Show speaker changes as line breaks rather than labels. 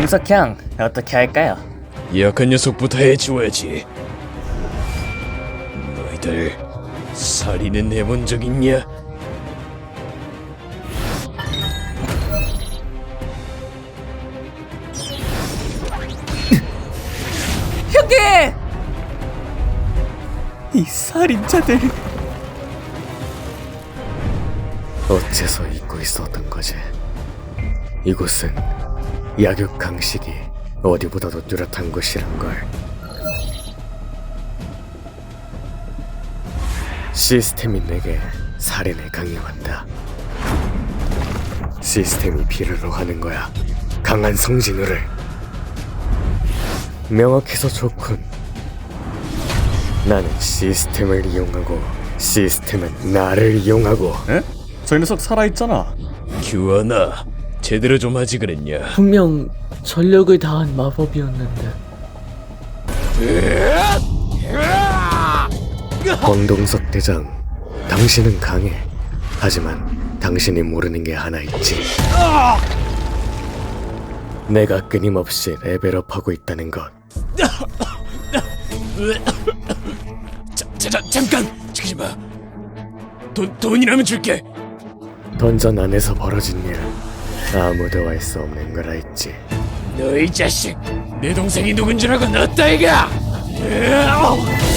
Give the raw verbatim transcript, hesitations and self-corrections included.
김석형, 어떻게 할까요?
약한 녀석부터 해치워야지. 너희들 살인은 해본 적 있냐?
형님! 이 살인자들
어째서 잊고 있었던 거지? 이곳은 약육 강식이 어디보다도 뚜렷한 곳이란 걸. 시스템이 내게 살인을 강요한다. 시스템이 필요로 하는 거야. 강한 성진우를. 명확해서 좋군. 나는 시스템을 이용하고 시스템은 나를 이용하고.
에? 저 녀석 살아있잖아.
규환아, 제대로 좀 하지 그랬냐?
분명 전력을 다한 마법이었는데.
황동석 대장, 당신은 강해. 하지만 당신이 모르는 게 하나 있지. 내가 끊임없이 레벨업하고 있다는 것.
자, 자, 자, 잠깐! 지키지 마. 돈, 돈이라면 줄게.
던전 안에서 벌어진 일 아무도 알 수 없는 걸 알지.
너희 자식, 내 동생이 누군 줄 알고 넣었다 이가.